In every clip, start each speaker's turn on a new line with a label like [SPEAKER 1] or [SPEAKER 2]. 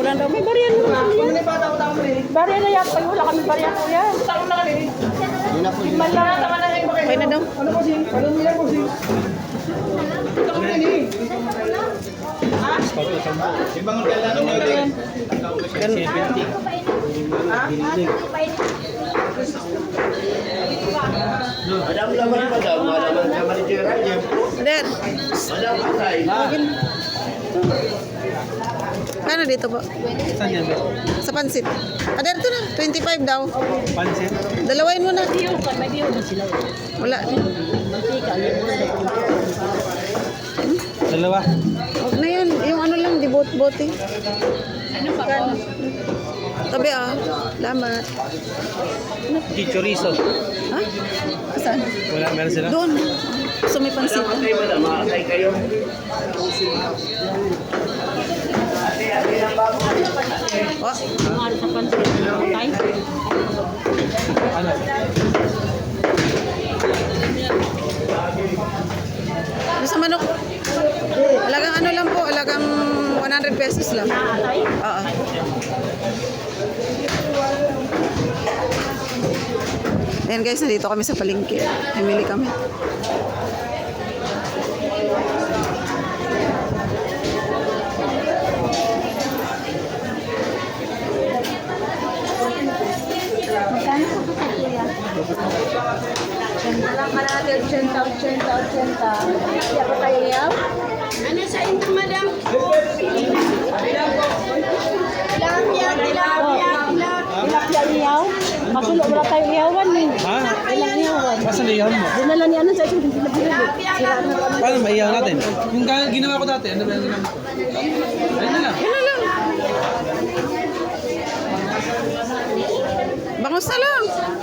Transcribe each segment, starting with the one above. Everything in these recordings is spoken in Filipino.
[SPEAKER 1] lang daw. May bariyan mo na yan. Bariyan na yan. Pag wala kami bariyan ko yan. Okay na daw.
[SPEAKER 2] Ano po sing? Ano mo yan po sing?
[SPEAKER 3] Ibang kailangan mo din. Madam laman madam, malaman sa manageran niya.
[SPEAKER 1] Dad.
[SPEAKER 3] Madam patay.
[SPEAKER 1] Paano dito po?
[SPEAKER 2] Saan yan?
[SPEAKER 1] Sa pansit. Dad, ito na. 25 daw.
[SPEAKER 2] Pansit?
[SPEAKER 1] Dalawain mo na. Wala.
[SPEAKER 2] Dalawa.
[SPEAKER 1] Huwag na yan. Yung ano lang, di bote. Ano pa po? Tabi ah. Lamat.
[SPEAKER 2] Chichorizo.
[SPEAKER 1] Ha? Saan?
[SPEAKER 2] Wala, meron sila?
[SPEAKER 1] Doon. So may pansit.
[SPEAKER 3] Patay madam, makakay kayo.
[SPEAKER 1] Oh.
[SPEAKER 2] Ano?
[SPEAKER 1] Ano sa manok? Alagang ano lang po, alagang 100 pesos lang. Oo. Ayan guys, nandito kami sa palengke. Namili kami.
[SPEAKER 4] Magkano po ito sa kuya? 80 lang ka natin, 80. Kaya pa tayo yaw? Ano sa inyo, madam? Tilapia iyaw? Masulo wala tayo iyawan eh.
[SPEAKER 2] Ha?
[SPEAKER 4] Ilang iyawan?
[SPEAKER 2] Masa liyahan mo?
[SPEAKER 4] Dinala ni ano sa ito, hindi na binili.
[SPEAKER 2] Paano maiyaw natin? Yung ginawa ko dati, ano ba yung ginawa? Ayun na lang.
[SPEAKER 1] Yun na lang. Bangos na lang.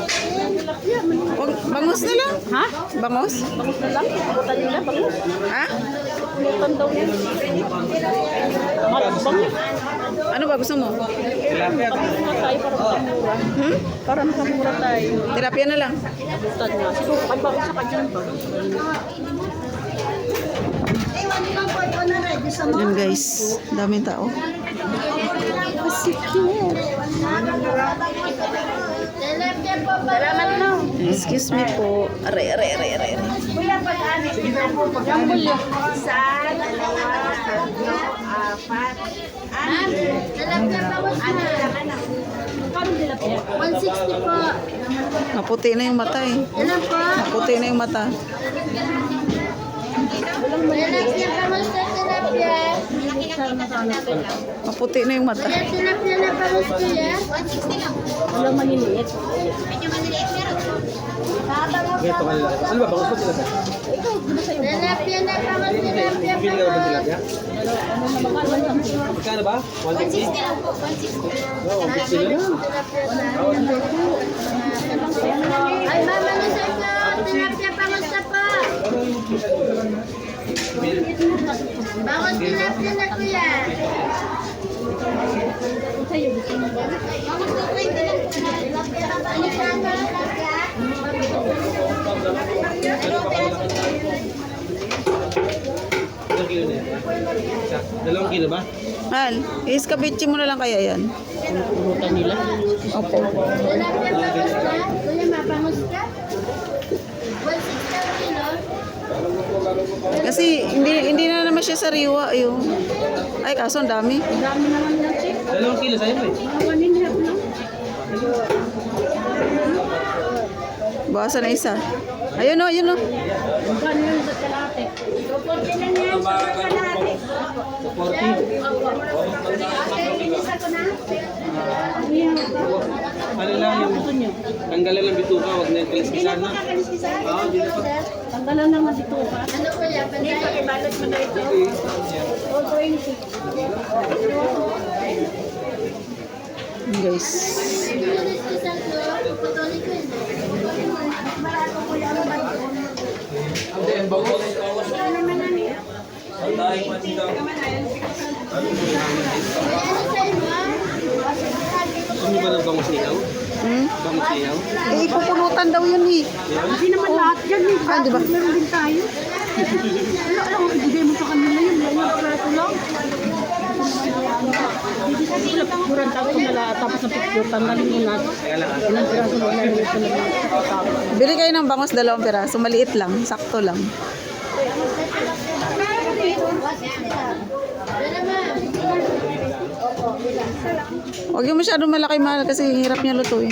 [SPEAKER 1] Bangos na lang. Ha? Bangos?
[SPEAKER 4] Bangus na lang, butan nila, bangus.
[SPEAKER 1] Ha?
[SPEAKER 4] Butan daw yan. Bangus.
[SPEAKER 1] Ano ba gusto mo?
[SPEAKER 2] Tilapia.
[SPEAKER 4] Mura tayo para makamura. Para makamura tayo.
[SPEAKER 1] Tilapia na lang.
[SPEAKER 4] Butan nga. Siguro, kay bangus sa kanyang ba?
[SPEAKER 1] Yan guys, daming tao.
[SPEAKER 4] Salamat no.
[SPEAKER 1] Excuse me po. Aray.
[SPEAKER 4] Kuya, pag-ani. Yung bulyo. Isa, dalawa, tatlo, apat. Tilapia pa mo sa Kano tilapia? 160 po.
[SPEAKER 1] Maputi na yung mata eh.
[SPEAKER 4] Ilan po?
[SPEAKER 1] Maputi na yung mata.
[SPEAKER 4] Tilapia pa mo sa tilapia.
[SPEAKER 1] Maputi na yung mata.
[SPEAKER 4] Tilapia na pa mo sa kuya. 160 lang. Walang maliliit. Medyo maliliit meron.
[SPEAKER 2] Ito kanila. Ano ba? Bangus pa sila sa?
[SPEAKER 4] Tilapia na pa mo tilapia pa
[SPEAKER 2] Pili ka ba ng tilapia?
[SPEAKER 4] mo.
[SPEAKER 2] Magkano ba? 160?
[SPEAKER 4] lang po, 160.
[SPEAKER 2] Oo, 160 na lang.
[SPEAKER 4] Ay, mama na sa ito. Tilapia pangusta pa. Bangus tilapia na kuya. Bangus na 20 lang. Tilapia na ba?
[SPEAKER 2] Ilang kilo na yan? Isa? 2 kilo ba?
[SPEAKER 1] Mahal, iskabitsi mo na lang kaya yan.
[SPEAKER 4] Punutan nila.
[SPEAKER 1] Opo.
[SPEAKER 4] Tilapia pangusta. Kuya, mapangusta. 160 ang kilo.
[SPEAKER 1] Kasi hindi na naman siya sariwa yung. Ay kaso ang dami.
[SPEAKER 4] Dami naman na chip.
[SPEAKER 2] 2 kilo sa'yo mo eh.
[SPEAKER 4] Awanin niya po lang.
[SPEAKER 1] Bawasan na isa. Ayun o.
[SPEAKER 4] Magkano yun sa kalate? 240 lang yan sa kalate.
[SPEAKER 2] 40.
[SPEAKER 4] Isa ko na.
[SPEAKER 2] Ano lang yung tanggalan ng bituka, wag na yung kaliskisan na.
[SPEAKER 4] Kakaliskisan?
[SPEAKER 2] Oo, di na pa.
[SPEAKER 4] Tanggalan naman dito pa. Ano ko yan? Dito, ibalot mo na ito. 420.
[SPEAKER 1] Guys.
[SPEAKER 4] Kaliskisan ko, puputuloy ko yun. Barato ko yan. Ano naman na niya?
[SPEAKER 2] Ano ba ng bangus niyaw? Bangus niyaw?
[SPEAKER 1] Eh, ipupulutan daw yun eh.
[SPEAKER 4] Hindi naman lahat yan eh.
[SPEAKER 1] Ah, di ba?
[SPEAKER 4] Meron din tayo. Wala lang, ibigay mo sa kanila yun. Wala lang, prato lang. Durang taon ko nala tapos na picture tanggalin mo na. Ilang piraso mo na rin ito na.
[SPEAKER 1] Bili kayo ng bangos 2 piraso. Maliit lang. Sakto lang. Huwag yung masyadong malaki mahal kasi hirap niya lutuin.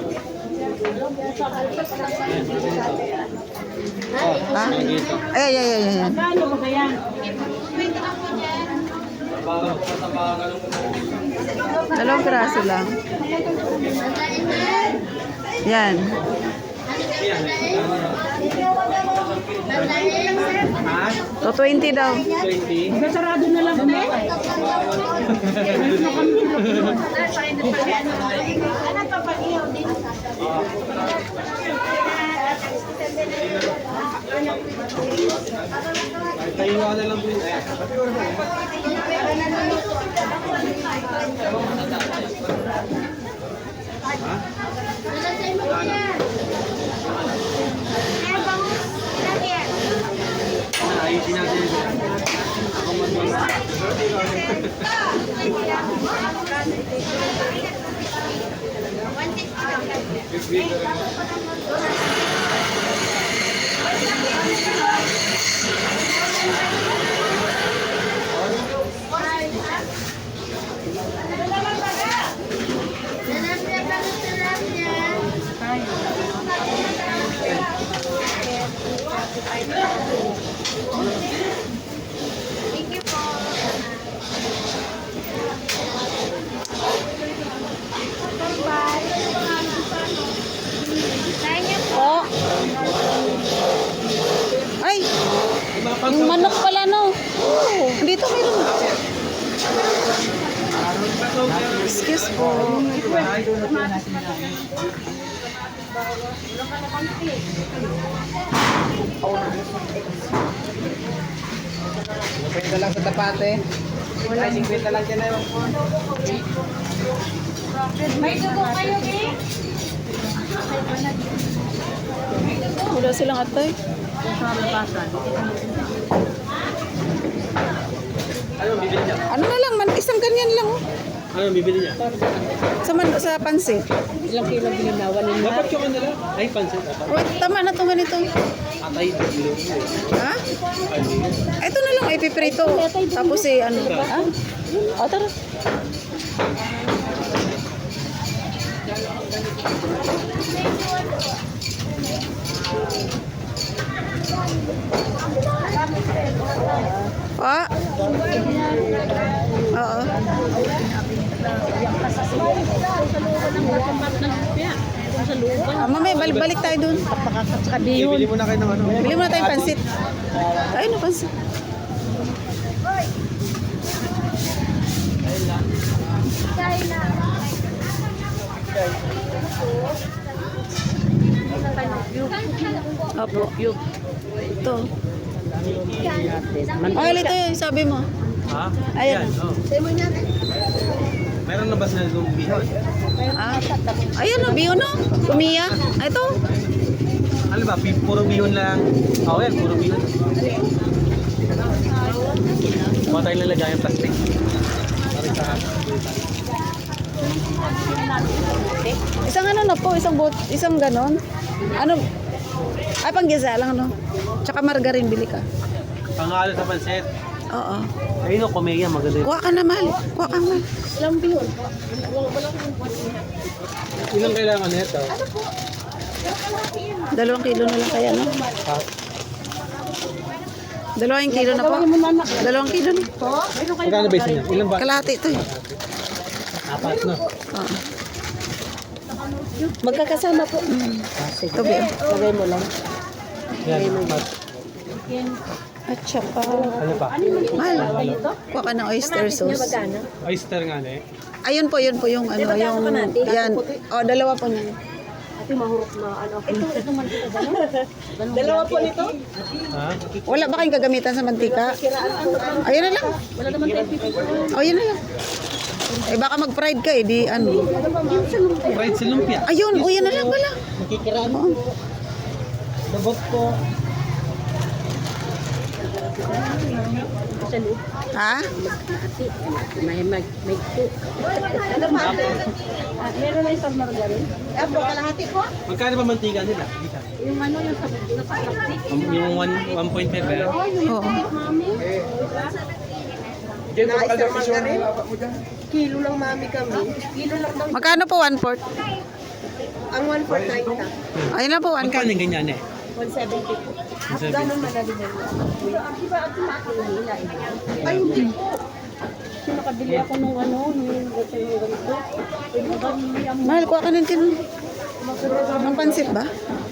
[SPEAKER 1] Ha? Ay.
[SPEAKER 4] Ano ba kaya?
[SPEAKER 1] 2 piraso lang. Yan. So 20 daw.
[SPEAKER 4] Sarado na lang kami.
[SPEAKER 2] Tayo na lang po yun. Ayusin natin yun.
[SPEAKER 1] Oh. Ay, yung manok pala no. Oh, dito meron. Excuse po.
[SPEAKER 2] Pwede lang sa tapate. Ay, 50 lang dyan na yun.
[SPEAKER 4] May dugo kayo, eh?
[SPEAKER 1] Wala silang atay.
[SPEAKER 2] Ano bibili niya?
[SPEAKER 1] Ano na lang, isang ganyan lang. Oh.
[SPEAKER 2] Ano bibili niya?
[SPEAKER 1] Sa pansit.
[SPEAKER 4] Ilang kilo bininawan nila?
[SPEAKER 2] Dapat yung ano lang. Ay, pansit.
[SPEAKER 1] Wait, tama na itong ganito.
[SPEAKER 2] Atay, bilo.
[SPEAKER 1] Ha? Ito na lang, ipiprito. Tapos ano. Ha? O, tara. Pa? Oo. Mamaya, balik tayo dun.
[SPEAKER 2] Bibili muna kayo ng ano.
[SPEAKER 1] Bili muna tayong pansit. Ayun na pansit. Opo. Ito. Ah, ito yung sabi mo.
[SPEAKER 2] Ha?
[SPEAKER 1] Ayan.
[SPEAKER 2] Oh. Meron na ba sila yung bihon?
[SPEAKER 1] Ah. Ayun o, biyo no. Kumiya. Ah, ito.
[SPEAKER 2] Ano ba? Puro bihon lang. Oh, yan. Puro bihon. Huwag tayong lalagay yung plastic.
[SPEAKER 1] Isang ano na po, isang ganon. Ano? Ay, panggisa lang no. Tsaka margarine bili ka.
[SPEAKER 2] Pangalo sa pansit.
[SPEAKER 1] Oo.
[SPEAKER 2] Ayun o, kumeya. Maganda yun.
[SPEAKER 1] Kuha ka na, mahal. Kuha ka, mahal.
[SPEAKER 4] Ilang biyon?
[SPEAKER 2] Ilang kailangan nito?
[SPEAKER 1] 2 kilo na lang kaya, no?
[SPEAKER 2] Ha?
[SPEAKER 1] 2 kilo na po. 2 kilo na.
[SPEAKER 2] Magkano base niya? Ilang ba?
[SPEAKER 1] Kalahati ito eh.
[SPEAKER 2] 4 no?
[SPEAKER 1] Oo.
[SPEAKER 4] Magkakasama po.
[SPEAKER 1] Ito, biyo.
[SPEAKER 4] Lagay mo lang.
[SPEAKER 2] Yan.
[SPEAKER 1] At saka,
[SPEAKER 2] Ano pa?
[SPEAKER 1] mahal. Kuha ka ng oyster sauce.
[SPEAKER 2] Oyster nga na eh.
[SPEAKER 1] Ayun po yung ano, yung, yan. O, 2 po niyan.
[SPEAKER 4] Ate, mahurok na ano. Ito man dito, gano'n? Dalawa po nito?
[SPEAKER 2] Ha?
[SPEAKER 1] Wala ba kayong gagamitan sa mantika? Ayun na lang.
[SPEAKER 4] Wala naman tayo pipito.
[SPEAKER 1] O, yun na lang. Eh, baka mag-fried ka eh, di ano.
[SPEAKER 2] Fried sa lumpia.
[SPEAKER 1] Ayun, o, yan na lang pala.
[SPEAKER 2] Nakikiraan. Dabot ko.
[SPEAKER 4] Sa loob.
[SPEAKER 1] Ha?
[SPEAKER 4] Ati. May po. Ano pa? Meron na isang margarine. Apo, kalahati po.
[SPEAKER 2] Magkano ba mantika nila?
[SPEAKER 4] Yung ano, yung sa plastic.
[SPEAKER 2] Yung 1.5 ba?
[SPEAKER 1] Oo.
[SPEAKER 4] Mami. Kilo lang mami kami. Kilo lang daw.
[SPEAKER 1] Magkano po 1/4?
[SPEAKER 4] Ang 1/4
[SPEAKER 1] Ayun lang po, 1/4.
[SPEAKER 2] Magkano yung ganyan eh?
[SPEAKER 4] 170 po.
[SPEAKER 2] 170.
[SPEAKER 4] Ganun madali na yun. Di ba ito nila? Ay, hindi po. Kasi nakabili ako nung ano, nung ganito.
[SPEAKER 1] Mahal, kuha ka ng tin. Ng pansit ba?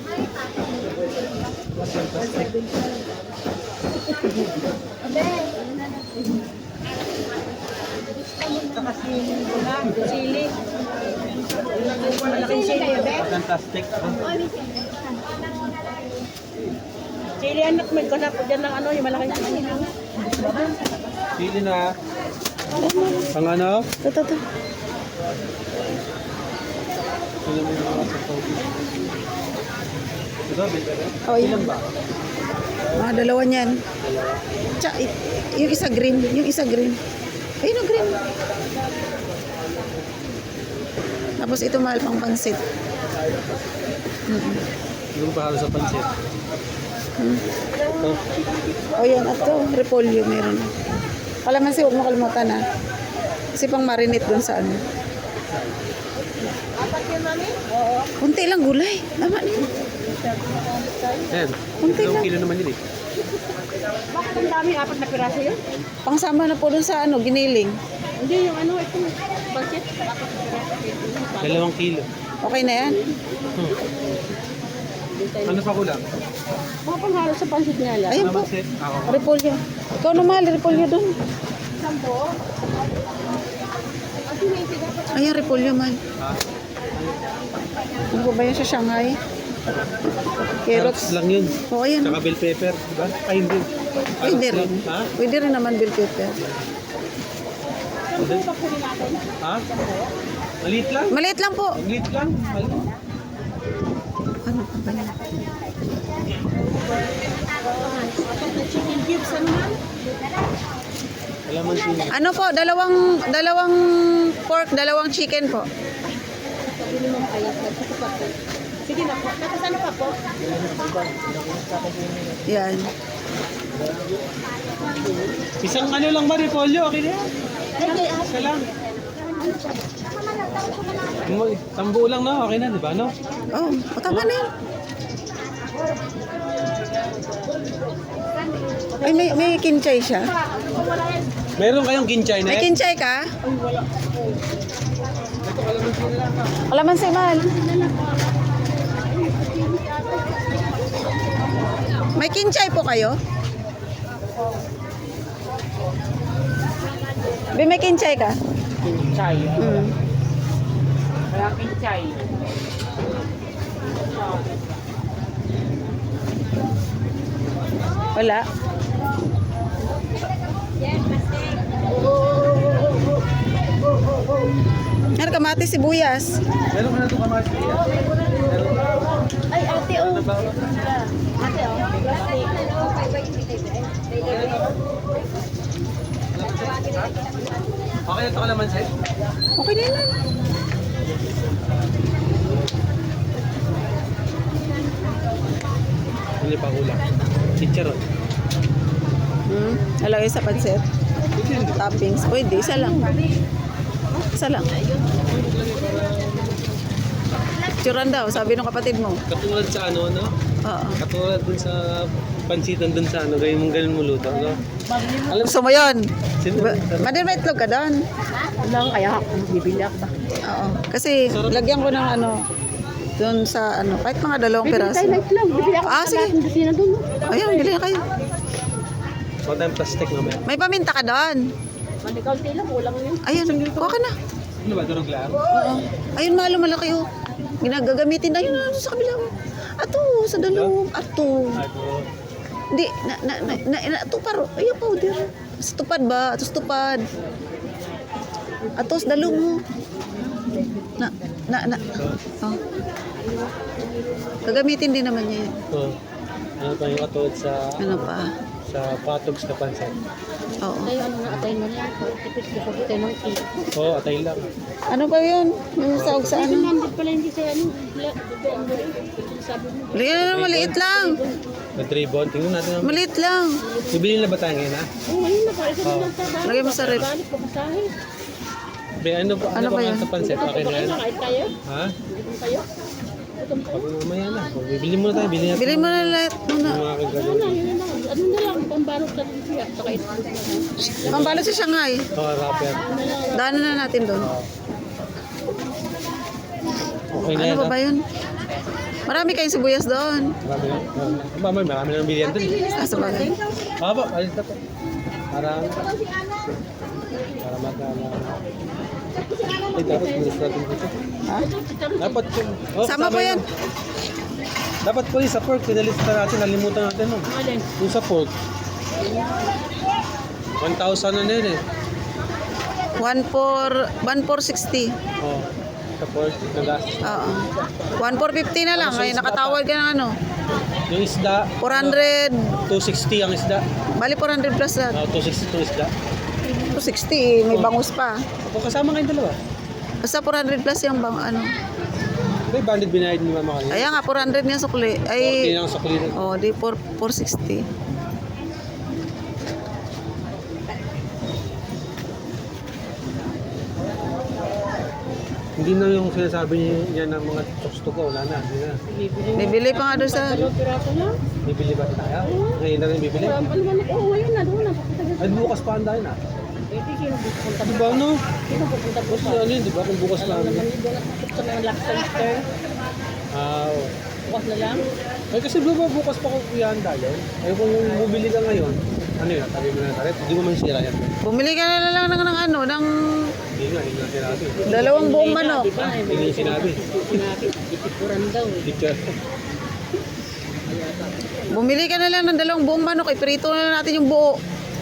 [SPEAKER 4] Sili. Malaking sili.
[SPEAKER 2] Fantastic.
[SPEAKER 4] Sili anak, may kanap dyan ng ano, yung malaking sili.
[SPEAKER 2] Sili na. Pang ano?
[SPEAKER 1] Ito.
[SPEAKER 2] Sili mo yung mga sasaw. Ito, bilbero?
[SPEAKER 1] Oh,
[SPEAKER 2] Ilan
[SPEAKER 1] yan.
[SPEAKER 2] ba?
[SPEAKER 1] Mga dalawa niyan. Tsaka, yung isa green. Yung isa green. Ayun ang green. Tapos ito mahal pang pansit.
[SPEAKER 2] Yung pahalo sa pansit. Ito.
[SPEAKER 1] O yan, at to, repolyo meron. Kalamansi, huwag mo kalimutan ha. Kasi pang marinate dun sa ano.
[SPEAKER 4] Apat yun, mami?
[SPEAKER 1] Kunti lang gulay. Tama na yun.
[SPEAKER 2] Ayan.
[SPEAKER 1] Kunti
[SPEAKER 2] Ilang
[SPEAKER 1] lang.
[SPEAKER 2] kilo naman yun eh.
[SPEAKER 4] Bakit ang dami? Apat na piraso yun?
[SPEAKER 1] Pangsama na po dun sa ano, giniling.
[SPEAKER 4] Hindi, yung ano, ito. Bakit? Apat na piraso.
[SPEAKER 2] 2 kilo.
[SPEAKER 1] Okay na yan.
[SPEAKER 2] Ano pa kulang?
[SPEAKER 4] Mga panghalo sa pansit niya lang.
[SPEAKER 1] Ayun po.
[SPEAKER 2] Pansit? Ako.
[SPEAKER 1] Repolyo. Ikaw na mahal, repolyo dun.
[SPEAKER 4] Sampo.
[SPEAKER 1] Ayan, repolyo mahal.
[SPEAKER 2] Ha?
[SPEAKER 1] Ano po ba yun sa Shanghai?
[SPEAKER 2] Carrots
[SPEAKER 1] Carrots.
[SPEAKER 2] lang yun.
[SPEAKER 1] O, ayan.
[SPEAKER 2] Tsaka bell pepper. Diba? Ay, hindi.
[SPEAKER 1] Pwede
[SPEAKER 2] Carrots
[SPEAKER 1] rin.
[SPEAKER 2] lang. Ha?
[SPEAKER 1] Pwede rin naman bell pepper.
[SPEAKER 2] Hindi. Ha? Maliit lang.
[SPEAKER 1] Maliit lang po.
[SPEAKER 2] Maliit lang. Maliit.
[SPEAKER 1] Ano pa ba yan?
[SPEAKER 4] Chicken cubes, ano man?
[SPEAKER 2] Alaman sila.
[SPEAKER 1] Ano po, dalawang pork, dalawang chicken po.
[SPEAKER 4] Pabili mo kayo. Sige na po. Tapos ano pa po?
[SPEAKER 1] Yan.
[SPEAKER 2] Isang ano lang ba, repolyo? Okay na yan. Isa lang. Tambuo lang na, okay na, di ba? No?
[SPEAKER 1] Oh, tama na yan. Ay, may kinchay siya.
[SPEAKER 2] Meron kayong ginchay na
[SPEAKER 1] May
[SPEAKER 2] eh?
[SPEAKER 1] kinchay ka? Kalamansi, mahal. May kinchay po kayo? May kinchay ka?
[SPEAKER 5] Kinchay.
[SPEAKER 1] Hmm.
[SPEAKER 5] Wala kinchay.
[SPEAKER 1] Wala. Ano, kamatis, sibuyas.
[SPEAKER 2] Meron ka na ito kamasi.
[SPEAKER 4] Ay, ate, oh.
[SPEAKER 2] Ano ba?
[SPEAKER 4] Ate, oh. Plastic.
[SPEAKER 2] Okay na ito ka naman, Seth?
[SPEAKER 1] Okay na yan.
[SPEAKER 2] Hindi pa kulang. Chicharon.
[SPEAKER 1] Halagay sa pansit. Toppings. Pwede, isa lang. Isa lang. Churan daw, sabi ng kapatid mo.
[SPEAKER 2] Katulad sa ano, no?
[SPEAKER 1] Oo.
[SPEAKER 2] Katulad dun sa pansitan dun sa ano, ganun mo luto, no? Alam
[SPEAKER 1] Gusto mo yun?
[SPEAKER 2] sino?
[SPEAKER 1] Madin may itlog ka doon.
[SPEAKER 4] Lang, kaya ako bibili ako ba?
[SPEAKER 1] Oo. Kasi lagyan ko ng ano, doon sa ano, kahit mga dalawang
[SPEAKER 4] Bibili
[SPEAKER 1] piraso.
[SPEAKER 4] tayo na itlog. Bibili ako
[SPEAKER 1] Ah,
[SPEAKER 4] sa
[SPEAKER 1] sige.
[SPEAKER 4] lahat ng kusina dun.
[SPEAKER 1] Ayun, bili na kayo.
[SPEAKER 2] Huwag tayong plastic mamaya.
[SPEAKER 1] May paminta ka doon.
[SPEAKER 4] Manikaunti lang, kulang yun.
[SPEAKER 1] Ayun, kuha ka na.
[SPEAKER 2] Ano ba, durog lang?
[SPEAKER 1] Oo. Ayun, malo malaki oh. Ginagagamitin. Ayun, ano sa kabila. Ato, sa dalawang. Ato.
[SPEAKER 2] Ako.
[SPEAKER 1] Hindi, ato paro. Ayun, powder. Sa tupad ba? Ato sa tupad. Ato sa dalo mo. Oh. Gagamitin din naman niya yun.
[SPEAKER 2] Ano pa yung katulad sa
[SPEAKER 1] Ano pa?
[SPEAKER 2] sa patogs na pansit.
[SPEAKER 1] Oo.
[SPEAKER 4] Tayo ano na atay na lang. Tipis na pag tayo ng cake.
[SPEAKER 2] Oo, atay lang.
[SPEAKER 1] Ano ba yun? Yung saog sa ano?
[SPEAKER 4] Nandit pala hindi sa ano. Sabi mo.
[SPEAKER 1] Bigyan na lang, maliit lang.
[SPEAKER 2] Na ribbon. Tingnan natin.
[SPEAKER 1] Maliit lang.
[SPEAKER 2] Bibili na ba tayo ngayon, ha?
[SPEAKER 4] Oh, ngayon na pa. Isa na lang tayo.
[SPEAKER 1] Lagay mo sa rep.
[SPEAKER 4] Balik pa masahe.
[SPEAKER 2] Ano
[SPEAKER 1] Ano ba
[SPEAKER 2] ba
[SPEAKER 1] yan?
[SPEAKER 2] sa pansit? Okay na yan?
[SPEAKER 4] Kahit tayo.
[SPEAKER 2] Ha?
[SPEAKER 4] Gutom kayo. Gutom kayo.
[SPEAKER 2] Pag mamaya na. Pag bibili muna tayo. Bili natin.
[SPEAKER 1] Bili mo na lahat muna.
[SPEAKER 2] Yung mga
[SPEAKER 4] Ano
[SPEAKER 2] kagaling.
[SPEAKER 4] na, yun na. Ano na lang, pambalot sa lumpia. Saka ito.
[SPEAKER 1] Pambalot sa Shanghai.
[SPEAKER 2] Mga rapper.
[SPEAKER 1] Daanan na natin doon.
[SPEAKER 2] Okay na
[SPEAKER 1] Ano
[SPEAKER 2] yan,
[SPEAKER 1] ba
[SPEAKER 2] ha?
[SPEAKER 1] ba yun? Marami kayong sibuyas doon.
[SPEAKER 2] Marami na ng bilihan doon.
[SPEAKER 1] Ah, sa bagay.
[SPEAKER 2] Haba, alis na po. Para magkala. Ay, dapat bilis natin dito.
[SPEAKER 1] Ha?
[SPEAKER 2] Dapat oh,
[SPEAKER 1] Sama po yan.
[SPEAKER 2] Dapat po sa pork, pinalista natin, nalimutan natin no.
[SPEAKER 4] Alin?
[SPEAKER 2] Yung sa pork. 1,000 na yun eh.
[SPEAKER 1] 1,460.
[SPEAKER 2] Oh, sa pork, nagas.
[SPEAKER 1] Oo. 1,450 na lang. Ay, nakatawad ka ng ano.
[SPEAKER 2] Yung isda,
[SPEAKER 1] 400.
[SPEAKER 2] 260 ang isda.
[SPEAKER 1] Bali 400 plus na.
[SPEAKER 2] 260 itong isda.
[SPEAKER 1] 260. May bangus pa.
[SPEAKER 2] Kung kasama kayong dalawa.
[SPEAKER 1] Basta 400 plus yung bang ano.
[SPEAKER 2] May banded binayad ni Mama kanina.
[SPEAKER 1] Kaya nga 400 nga sukli.
[SPEAKER 2] 40
[SPEAKER 1] Ay,
[SPEAKER 2] lang sa kulina.
[SPEAKER 1] oh, di 460.
[SPEAKER 2] Hindi na yung sinasabi niya ng mga chokes to go. Wala na. Hindi na.
[SPEAKER 1] Bibili pa nga doon sa...
[SPEAKER 4] Dalawang piraso na.
[SPEAKER 2] Bibili ba tayo? Ngayon na rin bibili?
[SPEAKER 4] Ang paliman ako. Oh, ngayon na. Doon na.
[SPEAKER 2] Ay, bukas pa ang dahil na.
[SPEAKER 4] Eh, di sino pupunta
[SPEAKER 2] Di ba ano?
[SPEAKER 4] Sino pupunta po
[SPEAKER 2] Kasi
[SPEAKER 4] sa...
[SPEAKER 2] ano yun, di ba? Kung bukas na.
[SPEAKER 4] Alam naman doon nakakot sa mga lobster.
[SPEAKER 2] Oo.
[SPEAKER 4] Bukas na lang.
[SPEAKER 2] Ay, kasi bukas pa kung kuyahan dahil. Ay, kung bumili ka ngayon, ano yun, tabi mo na tayo. Hindi mo man sira yan.
[SPEAKER 1] Bumili ka na lang ng ano, ng
[SPEAKER 2] Hindi nga, hindi nga sinabi.
[SPEAKER 1] dalawang buong manok.
[SPEAKER 4] Di ba?
[SPEAKER 2] Hindi niya sinabi.
[SPEAKER 4] Sinabi. Itikuran daw eh.
[SPEAKER 2] Teacher.
[SPEAKER 1] Bumili ka na lang ng dalawang buong manok. Iprito na lang natin yung buo.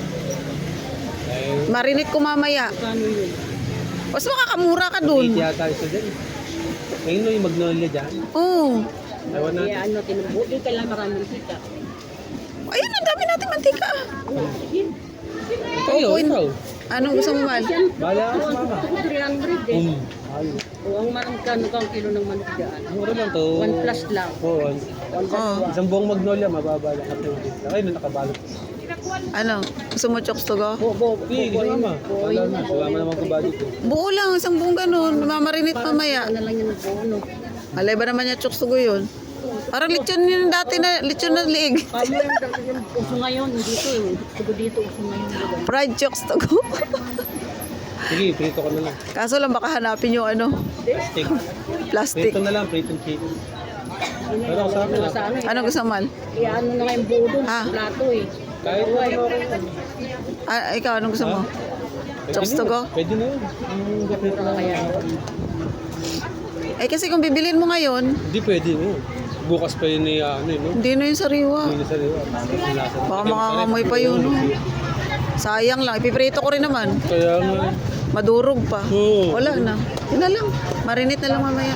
[SPEAKER 2] Ay,
[SPEAKER 1] Marinate ko mamaya.
[SPEAKER 4] Kano yun?
[SPEAKER 1] Mas makakamura ka dun.
[SPEAKER 2] hindi yata isa dyan. Ngayon no, yung magnolia dyan.
[SPEAKER 1] Oo.
[SPEAKER 2] Ewan
[SPEAKER 4] Kaya
[SPEAKER 2] natin.
[SPEAKER 4] ano, tinubuti ka lang maraming kita.
[SPEAKER 1] Ayun, ang dami natin mantika.
[SPEAKER 4] Sige.
[SPEAKER 2] Kayo,
[SPEAKER 1] Opo,
[SPEAKER 2] ikaw.
[SPEAKER 1] Anong gusto mo, Mal?
[SPEAKER 2] Bahala ka sa mama.
[SPEAKER 4] 300 eh.
[SPEAKER 2] Ayun.
[SPEAKER 4] O, ang manong kano kang kilo ng manok dyan?
[SPEAKER 2] Mura lang to.
[SPEAKER 4] 1 plus lang.
[SPEAKER 2] Oo.
[SPEAKER 1] Oo.
[SPEAKER 2] Isang buong magnolia, mababa lang. Ay, nung nakabalot.
[SPEAKER 1] Ano? Gusto mo chokes to go?
[SPEAKER 2] Hindi, mama. Wala na. Wala mo naman kabalik ko.
[SPEAKER 1] Buo lang, isang buong ganun. Mamarinate mamaya.
[SPEAKER 4] Ano lang yun ng bono.
[SPEAKER 1] Alay ba naman yung chokes to go yun? Parang lechon yun dati na, lechon na liig.
[SPEAKER 4] Kamo yung uso ngayon, dito eh. Sugo dito, uso ngayon.
[SPEAKER 1] Fried chokes to go.
[SPEAKER 2] Sige, prito ka na lang.
[SPEAKER 1] Kaso lang baka hanapin yung ano,
[SPEAKER 2] Steak.
[SPEAKER 1] plastic.
[SPEAKER 2] Prito na lang, prito chicken. Pero sa akin
[SPEAKER 4] Sa ano eh.
[SPEAKER 1] Ano gusto mo, Mal?
[SPEAKER 4] Kaya ano na nga yung buo dun,
[SPEAKER 1] Ah.
[SPEAKER 4] plato eh.
[SPEAKER 2] Kahit na ano okay.
[SPEAKER 1] Ah, ikaw, anong gusto mo? Chokes to go?
[SPEAKER 2] Pwede na yun. Yung gapit na
[SPEAKER 4] Kaya
[SPEAKER 1] Eh kasi kung bibilin mo ngayon,
[SPEAKER 2] Hindi pwede no. Bukas pa yun ni ano yun no.
[SPEAKER 1] hindi na yung sariwa.
[SPEAKER 2] Hindi na sa liwa.
[SPEAKER 1] Baka makakamoy pa yun, no? Sayang lang, ipiprito ko rin naman.
[SPEAKER 2] Kaya nga.
[SPEAKER 1] Madurog pa.
[SPEAKER 2] Oo.
[SPEAKER 1] Wala na. Yun na lang. Marinate na lang mamaya.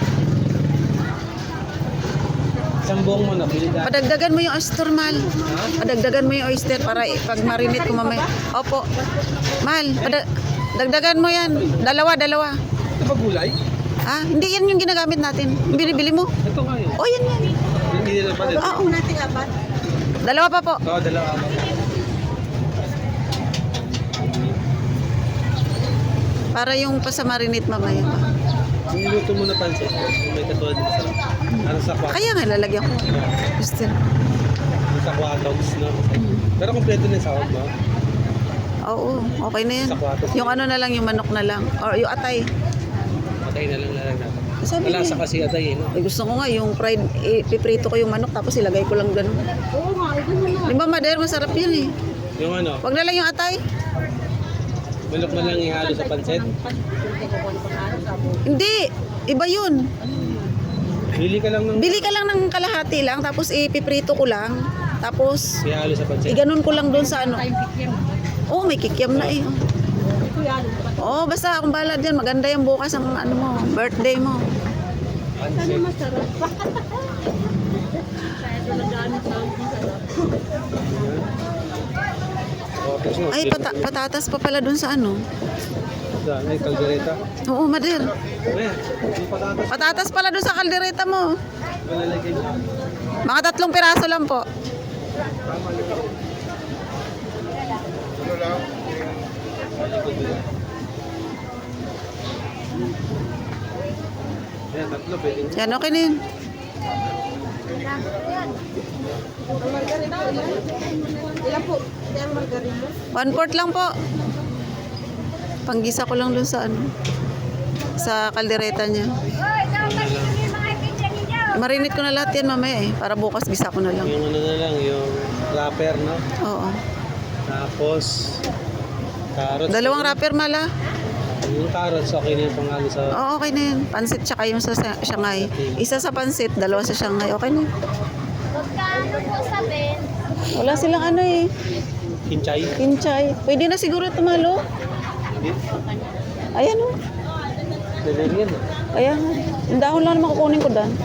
[SPEAKER 2] Isang buong manok.
[SPEAKER 1] Padagdagan mo yung oyster, Mal. Padagdagan mo yung oyster para pag marinate ko mamaya. Opo. Mal, dagdagan mo yan. Dalawa.
[SPEAKER 2] Ito ba gulay?
[SPEAKER 1] Ah, hindi yan yung ginagamit natin. Yung binibili mo.
[SPEAKER 2] Ito nga yun.
[SPEAKER 1] Oh, yan.
[SPEAKER 2] Hindi nila pa din.
[SPEAKER 1] Oo. Dalawa pa po.
[SPEAKER 2] Oo, dalawa.
[SPEAKER 1] Para yung pasamarinate mamaya pa.
[SPEAKER 2] Ang luto mo na pansit. May katulad din sa ano sa kwat.
[SPEAKER 1] Kaya nga lalagyan ko. Oyster.
[SPEAKER 2] Sa kwatogs no. Pero kompleto na yung sahog mo.
[SPEAKER 1] Oo, okay na yan. Yung ano na lang, yung manok na lang. Or yung atay.
[SPEAKER 2] Patay na lang natin.
[SPEAKER 1] Sabi
[SPEAKER 2] Malasa
[SPEAKER 1] niya.
[SPEAKER 2] kasi atay eh no.
[SPEAKER 1] Eh, gusto ko nga yung fried, piprito ko yung manok tapos ilagay ko lang ganun.
[SPEAKER 4] oo nga, ito mo na.
[SPEAKER 1] Di ba, Mader? Masarap yun eh.
[SPEAKER 2] Yung ano,
[SPEAKER 1] Wag na lang yung atay.
[SPEAKER 2] manok na lang ihalo sa pansit.
[SPEAKER 1] Hindi. Iba yun.
[SPEAKER 2] Bili ka lang ng
[SPEAKER 1] Bili ka lang ng kalahati lang tapos ipiprito ko lang. Tapos
[SPEAKER 2] ihalo sa pansit.
[SPEAKER 1] iganon ko lang doon sa ano.
[SPEAKER 4] Time pick yan.
[SPEAKER 1] Oh, may kikiam na eh.
[SPEAKER 4] Ito yan.
[SPEAKER 1] Oh, basta akong bahala dyan. Maganda yung bukas ang ano mo, birthday mo.
[SPEAKER 4] Sana
[SPEAKER 2] Pansit.
[SPEAKER 4] masarap. Kaya ito na gamit sa akin, sarap.
[SPEAKER 2] Tapos no,
[SPEAKER 1] Ay, patatas pa pala dun sa ano.
[SPEAKER 2] Ay, kaldereta.
[SPEAKER 1] Oo, Mader.
[SPEAKER 2] Ayan, yung patatas.
[SPEAKER 1] Patatas pala dun sa kaldereta mo.
[SPEAKER 2] Malalagay niya.
[SPEAKER 1] Mga 3 piraso lang po.
[SPEAKER 2] Ayan, 3 pwede.
[SPEAKER 1] Yan, okay na yun.
[SPEAKER 4] Ilan po? Yung margarina?
[SPEAKER 1] 1/4 lang po. Panggisa ko lang dun sa ano. Sa kaldereta niya. Marinate ko na lahat yan mamaya eh. Para bukas gisa ko na lang.
[SPEAKER 2] Yung ano na lang, yung wrapper, no?
[SPEAKER 1] Oo.
[SPEAKER 2] Tapos, carrots.
[SPEAKER 1] 2 wrapper mala.
[SPEAKER 2] Yung carrots, okay na yung pangalo sa...
[SPEAKER 1] Oo, okay na yun. Pansit tsaka yung sa Shanghai. Isa sa pansit, 2 sa Shanghai. Okay na yun.
[SPEAKER 4] Magkano po sa Ben?
[SPEAKER 1] Wala silang ano eh.
[SPEAKER 2] Kinchay.
[SPEAKER 1] Kinchay. Pwede na siguro tumalo.
[SPEAKER 2] Hindi.
[SPEAKER 1] Ayan o.
[SPEAKER 2] Delivery yan.
[SPEAKER 1] Ayan. Yung dahon lang naman kukunin ko dan.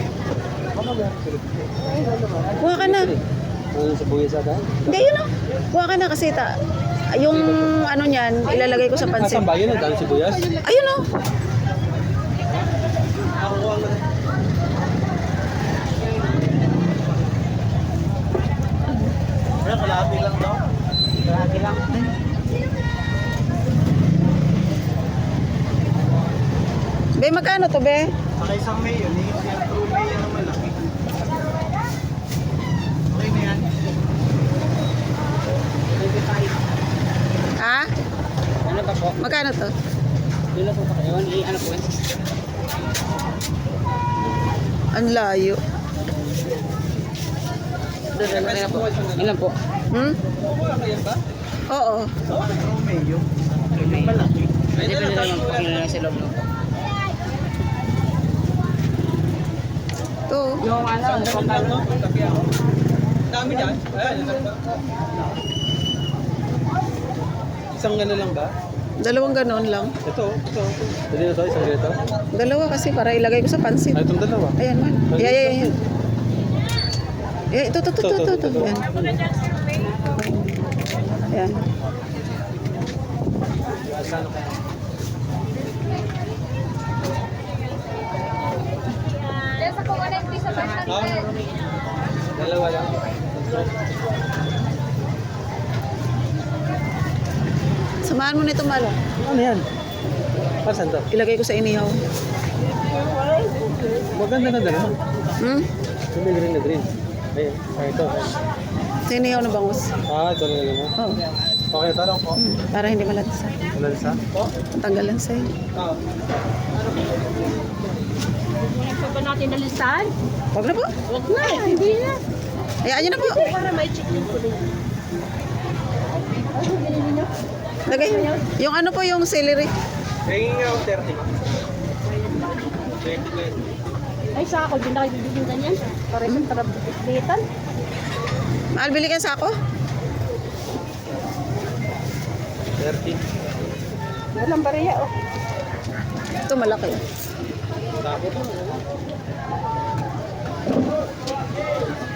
[SPEAKER 1] Kuha ka na.
[SPEAKER 2] Ano sa buhay sa dahil?
[SPEAKER 1] Hindi, yun o. Kuha ka na kasi yung ano niyan, ilalagay ko sa pansit.
[SPEAKER 2] Asan ba yun? Ang dahil sibuyas?
[SPEAKER 1] Ayun o.
[SPEAKER 2] Wala, kalahati lang daw.
[SPEAKER 5] Kalahati lang.
[SPEAKER 1] Be, magkano to, be?
[SPEAKER 2] Saka isang mayo, yung true mayo na malaki. Okay na yan.
[SPEAKER 1] Ha?
[SPEAKER 5] Ano ba po?
[SPEAKER 1] Magkano to?
[SPEAKER 5] Dila po pa kayo. Ano po?
[SPEAKER 1] Ang layo.
[SPEAKER 5] Ilan po? Ilan po?
[SPEAKER 1] Hmm? Oo.
[SPEAKER 2] True mayo. Yung malaki.
[SPEAKER 5] Pwede naman po kailangan sa loob.
[SPEAKER 1] To.
[SPEAKER 5] Yung ano, pagkano?
[SPEAKER 2] Dami dyan. Ayan. Isang gano'n lang ba?
[SPEAKER 1] 2 ganon lang.
[SPEAKER 2] Ito. Pwede na to, isang ganito.
[SPEAKER 1] 2 kasi para ilagay ko sa pansit.
[SPEAKER 2] Itong dalawa.
[SPEAKER 1] Ayan man. Ayan. Ito. Ayan. Ayan.
[SPEAKER 4] Sa kung ano yung piso ba?
[SPEAKER 2] Dalawa lang.
[SPEAKER 1] Samahan mo nito, Malo.
[SPEAKER 2] Ano yan? Pasan to?
[SPEAKER 1] Ilagay ko sa inihaw.
[SPEAKER 2] Maganda na dalawa.
[SPEAKER 1] Hmm?
[SPEAKER 2] Yung may green na green. Ayun. Ito.
[SPEAKER 1] Sa inihaw na bangus.
[SPEAKER 2] Ito na lang mo.
[SPEAKER 1] Oo.
[SPEAKER 2] Okay, tarong ko.
[SPEAKER 1] Para hindi malansa.
[SPEAKER 2] Ulan sa?
[SPEAKER 1] Tanggalan sa'yo.
[SPEAKER 2] Oo.
[SPEAKER 4] Ito ba natin nalistahan?
[SPEAKER 1] Huwag na po.
[SPEAKER 4] Huwag na, hindi na.
[SPEAKER 1] Hayaan nyo na po.
[SPEAKER 4] Para may check din ko rin.
[SPEAKER 1] Lagay. Yung ano po yung celery.
[SPEAKER 2] Hanging out 30. 20.
[SPEAKER 4] Ay, sa ako, din na kayo bibigyan ganyan. Para sa tarap-bitan.
[SPEAKER 1] Mahal, bili ka sa ako?
[SPEAKER 2] 30.
[SPEAKER 4] Walang bariya, oh.
[SPEAKER 1] Ito malaki.
[SPEAKER 2] Tapos.